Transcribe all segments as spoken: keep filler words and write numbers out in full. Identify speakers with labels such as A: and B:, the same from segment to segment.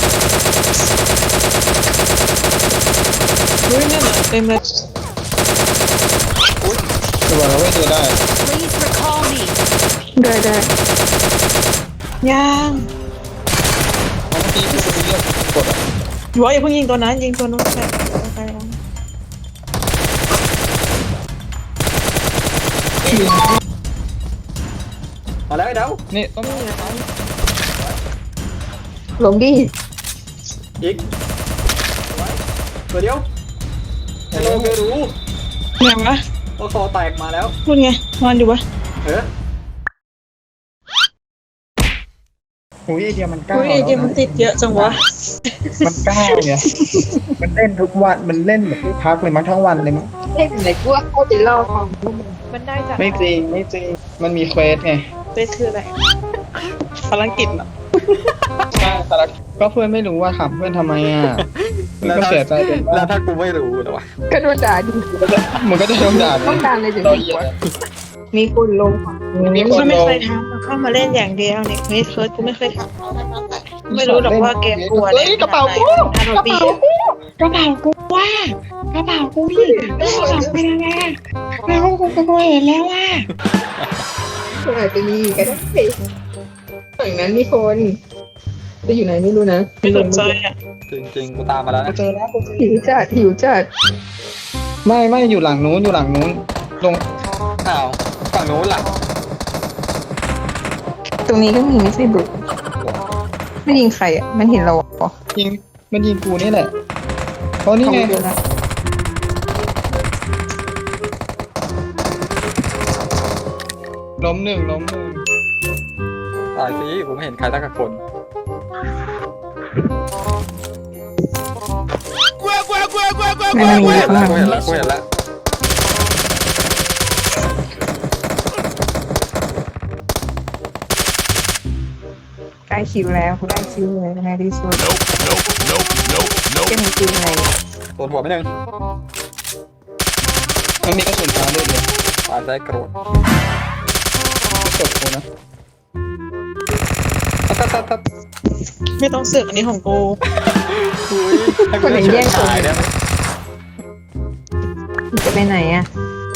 A: อุ้ยนั่นเหรอเต็มเลย
B: ตัวเราไม่ตัวได้
C: Please recall me.
D: ได้ได้
A: ย่าง
B: เมื่อกี้ที่คุณเรียกกดอ่ะ
A: อยู่ว่าอย่าเพิ่งยิงตัวนั้นยิงตัวนู้นไปไปแล้ว
E: มาแล้วไอ้เดา
B: นี่ต้อง
D: ลงดิ
E: อีกตัวเดียวให้เราไปรู้
A: ยังนะ
E: ว่าคอแตกมาแล้ว
A: พูดไงนอนอยู่ปะ
E: เออ
B: อุ้ยไอเดียมันกล้า
A: อุ้ยไอเกมมันติดเยอะจังวะ
B: มันกล้าเนี่ยมันเล่นทุกวันมันเล่นแบบไม่พักเลยมั้งทั้งวันเลยมั้ง
D: เล่นไหนกูว่าเขาจะเล่าของ
A: มันได้จาก
B: ไม่จริงไม่จริงมันมีเควสไง
A: เฟซคืออะไรภารกิจเหรอ
B: ใช่แต่ละก็เพื่อนไม่รู้ว่าถามเพื่อนทำไมอ่ะมันก็เสียใจเป็น
E: แล้
B: ว่าว
E: ถ้ากูไม่รู้เลยวะ
D: ก็โดนด่าดิ
B: มันก็จะโดนด่า
D: ต้องการอะไรถึง
B: เรา
D: ดี
B: เหี้
D: ก
B: ย
D: ว่ามีคนลง
B: มีคน
A: ก็ไม่
B: ลง
A: เคยทำเข้ามาเล่นอย่างเดียวเนี่ยเฟซเฟิร์สกูไม่เคยทำไม่รู้หรอกว่าเกมกลัว
B: เฮ้ยกระเป๋ากู
A: ฮาโลบี
B: กระเป๋ากูว่ากระเป๋ากูพี่กระเป๋าไปแล้วไงแล้วกูก็เห็นแล้วว่า
D: อาจจะมีก็ได้ฝั่งนั้นมีคนจะอยู่ไหนไม่รู้นะ
A: ไม่สนใจอ่ะ
E: จริงๆกูตามมาแล้วนะ
B: เจอแล้วกูเจอ
D: หิวจัดหิวจัด
B: ไม่ไม่อยู่หลังนู้นอยู่หลังนู้นลง
E: อ้าวฝั่งโน้นล่ะ
D: ตรงนี้ก็มีไม่ใช่บุกไม่ยิงใครอ่ะมันเห็นเราเหรอ
B: ยิงมันยิงกูนี่แหละเพราะนี่ไง
D: เดียวนะ
B: ล้มหนึ่งล้มหนึ่ง
E: ตายสิกูไม่เห็นใครสักคน
D: ไม่มันมี
E: กู
D: เย
E: เห็
D: อะ
E: นแล้
D: มาว ก
E: กูเห็นแล้วกูเห็นแล้ว
D: ใกล้คิวแล้วกูได้คิวเลยในที่สุดจะมีคิวไง
E: โดนหัวไม่หนึ่ง
B: มันมีกระสุนฟ้าด้วยเลย
E: ตายใจโกรธ
B: ไม่จบกูนะ
E: ตัดตัดตัดตัด
A: ไม่ต้องเสือกอันนี้ของกู
E: อุ้ยให้กูได้เฉิดฉายได้ไหม
D: จะไปไหนอ่ะ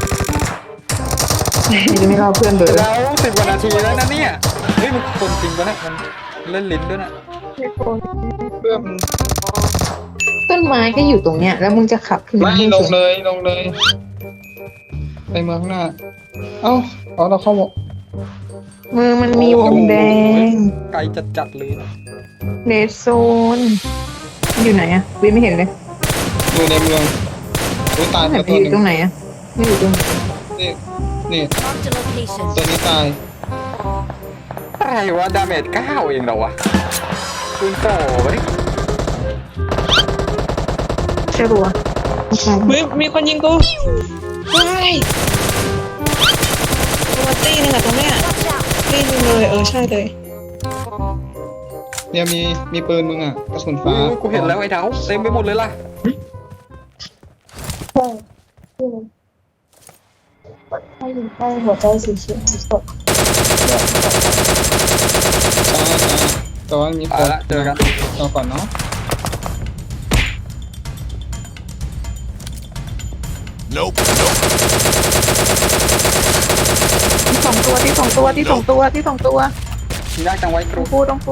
D: จะไม่รอเพื่อนเบอร์
E: แล้วสิบกว่านาทีแล้วนะเนี่ยเฮ้ยมันคนจริงปะเนี่ยมันเล่นลิ้นด้วยนะ
B: เพื่อนมัน
D: ต้นไม้ก็อยู่ตรงเนี้ยแล้วมึงจะขับขึ้น
B: ไม่
D: ให้
B: ล
D: สุ
B: ง
D: ด
B: เลยลงเลย ไปเมืองข้างหน้า เอ้าเอาเราเข้าหมด
D: มือมันมีวงแดง
E: ไกลจัดจัดๆเลยนะ
D: เรดโซนอยู่ไหนอ่ะวิไม่เห็นเลย
B: อยู่ในเมืองอุ้ยตาย
D: ไหน
B: ไป
D: ไป
B: ตัว
D: อ
B: หนึ่
D: ยู่
B: ง
D: ตรงไหนอ่ะไม่อยู่ตรง
B: นี่นี่
C: Marked a location.
B: ตัวนี้ตาย
E: อะไรวะดาเมจเก้าเองเหรอวะคุณโตไปดิ
D: ใช่ปะวะไม่ใช่
A: เฮ้ยมีคนยิงกูว้ายตัวตี้นึงอะตรงเนี้ยตี้นึงเลยเออใช่เลย
B: เนี่ยมีมีปืนมึงอ่ะกระสุน
E: อุ้
B: ฟ้าย
E: กูเห็นแล้วไอ้เดาเต็มไปหมดเลยล่ะ
D: หัวใจสีเขียวสด
B: ตายตายแต่ว่ามีค
E: เอา
B: น
E: ละเจอกัน
B: รอก่อนเนาะ
D: ที่สองตัวที่สองตัวที่สองตัวที่สองตัว
E: ยากจังไว้ก
D: ต้
E: รู
D: องกูต้องกู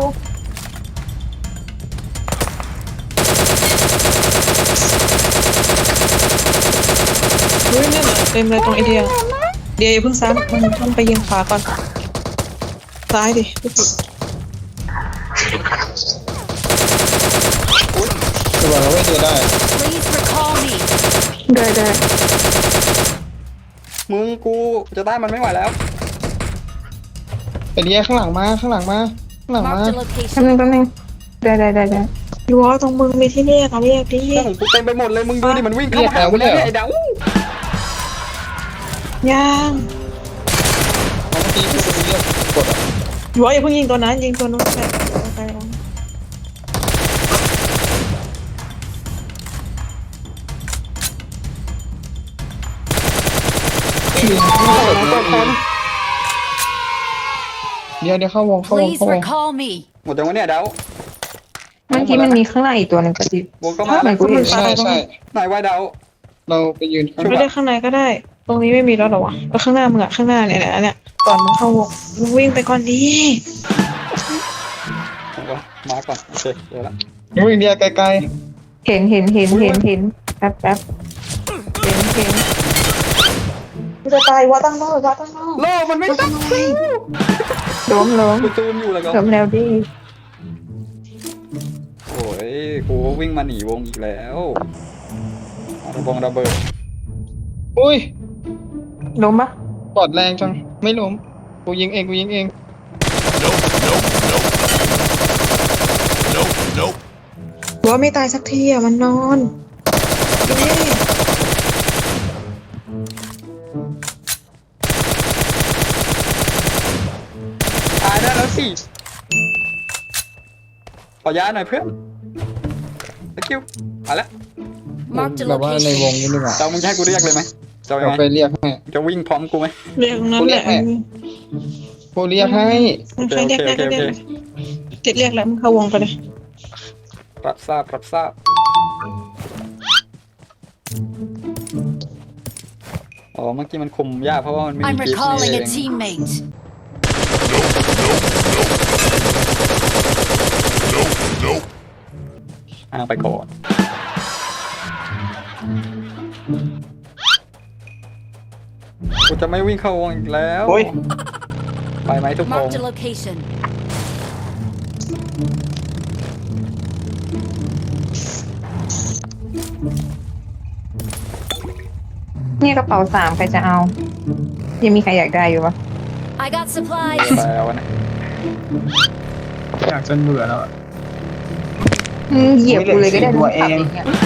A: อุ้ยนั่นเหรอเต็มเลยตรงไอเดียเดียอย่าเพิ่งซ้ำมันต้องไปยิงขวาก่อนซ้ายดิพี่ผิด
B: ตัวเราไม่ตัวได้
C: Please recall me.
D: ได้ได้
E: มึงกูจะได้มันไม่ไหวแล้ว
B: ไอเดียข้างหลังมาข้างหลังมาข้างหลังมา
C: Marked a
D: แป๊บ
C: location.
D: นึงแป๊บนึงได้ได้ได้ได้
A: อยู่ว่าตรงมึงมีที่เรียกเขาเรียกดิ
E: เรื่องของกูเต็มไปหมดเลยมึงดูดิมันวิ่งเข้ามาหากูแล้วเนี่ยไอ้เดา
A: ย่าง
B: เมื่อกี้ที่คุณเรียกกดอ่ะ
A: อยู่ว่าอย่าเพิ่งยิงตัวนั้นยิงตัวนู้นไปไปแล้ว
B: เดี๋ยวเดี๋ยวเข้าวงเข้าวง
C: Please
B: เข้าวง
C: recall me.
E: หมดจังวะเนี่ยเดา
A: เมื่อกี้มันมีข้างในอีกตัวหนึ่งกระดิบ
E: วงก็มา
A: เหมือนกูเห็น
B: ใช่ใช่
E: ไหนวายดาว
B: เราไปยืนข้าง
A: ไม่ได้ข้างในก็ได้ ตรงนี้ไม่มีแล้วหรอวะแล้วข้างหน้ามึงอะข้างหน้าเนี่ยเนี่ยเนี่ยก่อนมึงเข้าวงมึงวิ่งไปก่อนดี
E: มาก่อนโอเคเดี๋ยวละ
B: อุ้ยเดียไกล
A: เห็นเห็นเห็นเห็นเห็นแป๊บแป๊บเห็นเห็นกูจะตายวะตั้งโลวะตั้งโล
E: โลมันไม่ตั้ง
A: ล้มล้ม
E: กูจูนอยู่แล้วก็
A: ล้มแล้วดิ
E: โอ้ยกูวิ่งมาหนีวงอีกแล้วระบงระเบิด
B: ๆอุ้ย
A: ล้มปะ
B: ปอดแรงจังไม่ล้มกูยิงเองกูยิงเอง
A: หัวไม่ตายสักทีอะมันนอนเย้
E: ตายได้แล้วสิขอยาหน่อยเพื่อนตะคิวมาแล้ว
C: Marked a
B: แบบว่าในวง
C: location.
B: นี้ดีกว่า
E: เจ้ามึงจะให้กูเรียกเลยไหมเจ้ายั
B: เรา
E: งไง
B: ไปเรียกให้
E: จะวิ่งพร้อมกูไหม
A: เรียกตรงนั้นแหละ
B: กูเรียกให้
A: มันใครเรียกได้ก็เรียกเจ็ดเรียกแล้วมึงเข้าวงไปเลย
E: รับทราบรับทราบอ๋อเมื่อกี้มันคุมยากเพราะว่ามันไม่
C: I'm
E: มีกิฟต์
C: recalling
E: นี่
C: a
E: เอง
C: teammate.
E: อ้างไปก่อนกูจะไม่วิ่งเข้าวงอีกแล้ว
B: โอ้ย
E: ไปไหมทุกคน
C: Marked a location.
A: นี่กระเป๋าสามใครจะเอา ยังมีใครอยากได้อยู่ปะ
C: I got supplies.
E: ไปเอานะ
B: อยากจนเบื่อแล้วอะ
A: อืมเหยียบกูเลยก็ได้
B: ตัวเอง
A: นี่ย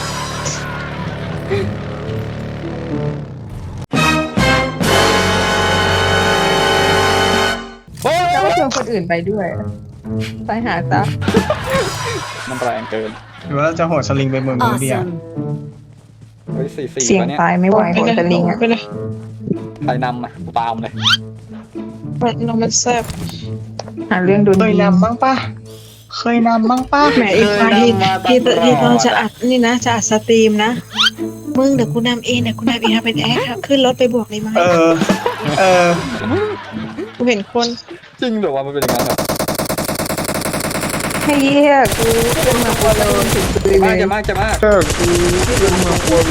E: โอ้ย
A: แล้วก็ชวนคนอื่นไปด้วย ไปหาซะ
E: มันแรงเกิน
B: หรือว่าจะโหดสลิงไปเมืองนู้นเดียว
C: Awesome.
E: เฮ้ยสี่สี่
A: เสี่ยง
E: วะเนี่ย
A: ตายไม่ไหวหัวจะลิงอ่ะไปเลย
E: ใครนำอ่ะกูตามเลย
A: มันนมมันแซ่บหาเรื่องโดน
B: เคย
A: ยิง
B: นำบ้างปะเคยนำบ้างปะ
A: แหมอีกวันที่ที่ที่ตอนจะอัดนี่นะจะอัดสตรีมนะมึงเดี๋ยวกูนำเองเดี๋ยวกูนำเองทำเป็นแอคครับขึ้นรถไปบวกเลยมั้ย
B: เออ เออ
A: กูเห็นคน
E: จริงเหรอวะมันเป็นอย่างนั้นเหรอ
A: ให้เยี่ยกูขึ้นมาพอเราถึงปืน
E: มาก
A: เล
E: จะ
A: ย
E: มากจะมาก
B: เจอกูเป็นเมืองโคโล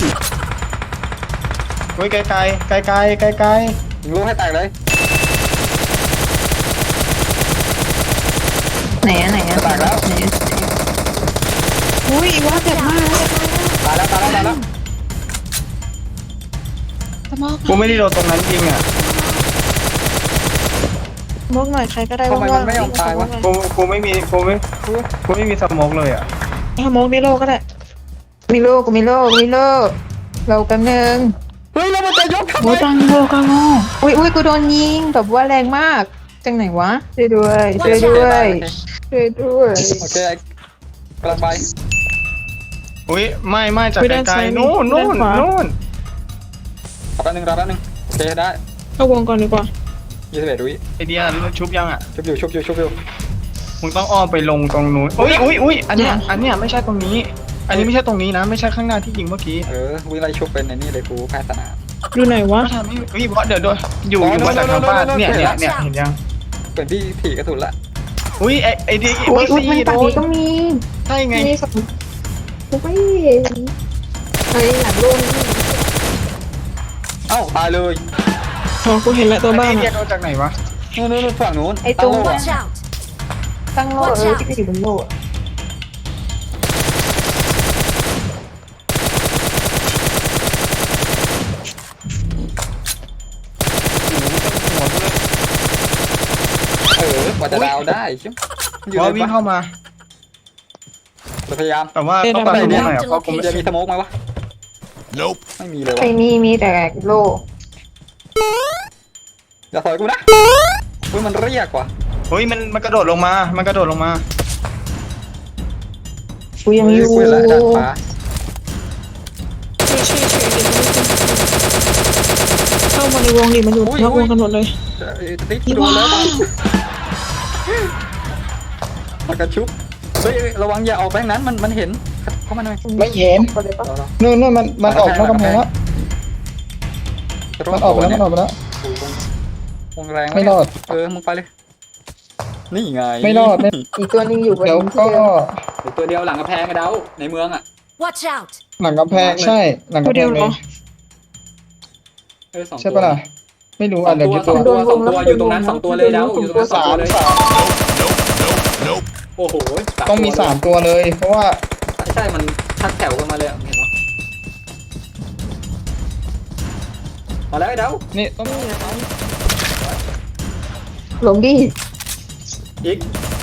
B: เฮ้ยไกลไกลไกลไกลไกลไกล
E: ยิงลูกให้แตกเลย
A: ไหนอะไหนอะ
E: จะแตกแล้ว
A: ไหนอะอุ้ยอีว่าเจ็บมาก
E: ตายแล้วตายแล้วตายแล้ว
A: ตะมอก
B: กูไม่ได้โดนตรงนั้นยิงอ่ะ
A: มอกหน่อยใครก็ได้
E: ทำไมมันไม่ยอมตายวะ
B: กูกูไม่มีกูไม่กูไม่มีสโมกเลยอ่ะ
A: ถ้ามอกนี่โลก็ได้มีโลกูมีโลมีโลเราแป๊บนึง
E: เฮ้ยแล้วมันจะยกทำไม
A: โอ้ตังโลกังโง่อุ้ยอุ้ยกูโดนยิงแบบว่าแรงมากจังไหนวะช่วยด้วยช่วยด้วยช่วยด้วย
E: โอเคกำลังไป
B: อุ้ยไม่ไม่จาก
A: ไปด้าน
B: ไกล
A: ซ้าย
B: ๆนู่น
A: ด้า
B: นู่
A: น
B: น
A: ขวา
B: นู่น
E: รอแป๊บนึงรอแป๊บนึงโอเคได้
A: เข้าวงก่อนดีกว่า
E: ยี่สิบเอ็ดวิ
B: ไอเดียชุบยังอ่ะ
E: ชุบอยู่ชุบอยู่ชุบอยู่
B: มึงต้องอ้อมไปลงตรงนู้นอุ้ยอุ้ยอุ้ยอันเนี้ยอันเนี้ยไม่ใช่ตรงนี้ อันนี้ไม่ใช่ตรงนี้นะ ไม่ใช่ข้างหน้าที่ยิงเมื่อกี้
E: เออวิ่งไล่ชุบเป็นในนี่เลยกูแพ้สนาม
A: อยู่ไหนวะ
B: ก็ทำให้อุ้ยเพราะเดี๋ยวโดนอยู่อยู่มาจากทางบ้านเนี่ยเนี่ยเนี่ยเห็นยัง
E: เป็นที่ผีกระสุนละ
B: อุ้ยไอไอเดีย
A: อุ้
B: เมื่
A: ย
B: อ
A: อุ้ยมัน
B: ซี่โด
A: ฝั่ง
B: น
A: นี้ก็มี
B: ใช่ไง
A: มีสองกูไม่เห็นไอ้หลังโดน
E: เอ้าตายเลย
A: อ๋อกูเห็นแล้วตัวบ้าน
B: ไอเดีย
A: อะ
B: โดนจากไหนวะ
E: นู่นนู่นฝั่งนู้น
A: ไอ้ตรง
E: ตั้งโล่
C: Watch
E: อะ
C: out.
A: ตั้งโลเออที่ไปอยู่บนโลอะ
E: เออกว่าจะดาวได้ชิบอยู่
B: ว่า
E: ใน
B: วิ่ง
E: บ้าน
B: เข้ามา
E: เราพยายาม
B: แต่ว่าต้องตัดตรงนี้หน่อยเพราะกูไม่
E: จะ
B: ได้
E: มีสโมกไหมวะ nope ไม่มีเลย
A: ไอ้
E: วะ
A: มีมีแต่โล
E: อย่าถอยกูนะเฮ้ยมันเรียกว่ะ
B: เฮ้ยมันมันกระโดดลงมา มันกระโดดลงมา
A: กูยังอยู่
E: เฮ้กูเห็นแล้วด้านฟ้า
A: ช่วยช่วยช่วยเดี๋ยวเข้ามาในวงดิมันอยู่นอกวงกันหมดเลย
E: เอ้ยติ๊กโดนแล้วมันกระชุบเฮ้ยระวังอย่าออกไปทางนั้นมันมันเห็นเข้ามาหน่อย
B: ไม่เห็น
D: คนเลยปะ
E: เราเรา
B: นู่นนู่นมันมันออกนอกกำแพงแล้วมันออกไปแล้วมันออกไปแล้ว
E: วงแรง
B: ไม่รอด
E: เออมึงไปเลยนี่ไง
B: ไม่รอดไม่
D: อีกตัวหนึงอยู่บน
B: เดี๋ยว
D: ที่
B: ก็
D: เดิม
E: เดี๋ยวตัวเดียวหลังกระแพงกระเดาในเมืองอ่ะ
C: Watch out!
B: หลังกำแพงใช่หลัง
A: ตัว
B: กำแพ
A: เดียว
B: ง
A: เห
B: เล
A: รอย
E: เออสองตัว
B: ใช่ปะล่ะไม่รู้อ่ะเดี๋ยวยึด
E: ส
B: ตั
E: อ
B: ว
E: งตัวสองตัวอยู่ตรงนั้นสองตัวเลยเดาอยู่ตรงนั้นสอง
B: สา
E: ตัว
B: ม
E: เลย
B: สาม
E: โอ้โห
B: ต้องมีสามตัวเลย เพราะว่า
E: ใช่มันทักแถวกันมาเลยเห็นปะมาแล้วไอ้เดา
B: นี่ต้อง
D: หลงดิ
E: อีก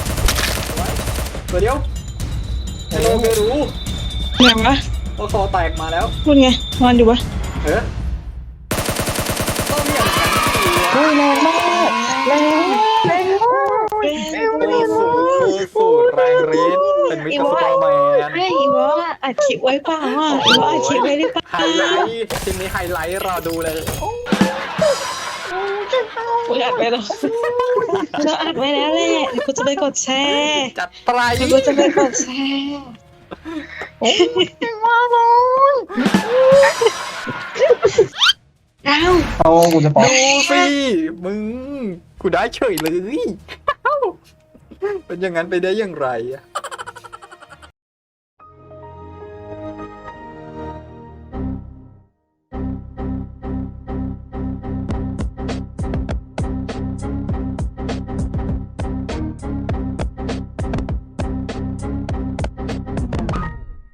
E: ตัวเดียวไอ้โลเกรู้
A: ไหนวะ
E: ว่าคอแตกมาแล้ว
A: พูดไงนอนอยู่ปะ
E: เออต้องอย่างนั้นสิ
B: โอ้ยแรงมากแรงแรง
E: โอ้โหสูตรแรงฤทธิ์เป็นมิสเตอร์ซูเปอร์แมน
A: ไอ้อีวะอัดคลิปไว้เปล่าอ่ะอีวะอัดคลิปไว้หรือเปล่า
E: ไฮไลท์ทีมนี้ไฮไลท์รอดูเลย
A: กูอัดไว้แล้วเราอัดไว้แล้วแหละเดี๋ยวกูจะไปกดแชร์
E: จัดไป
A: เดี๋ยวกูจะไปกดแชร์อ้าว
B: เอากูจะปอก
E: ดูสิมึงกูได้เฉยเลยเป็นอย่างนั้นไปได้อย่างไรอะ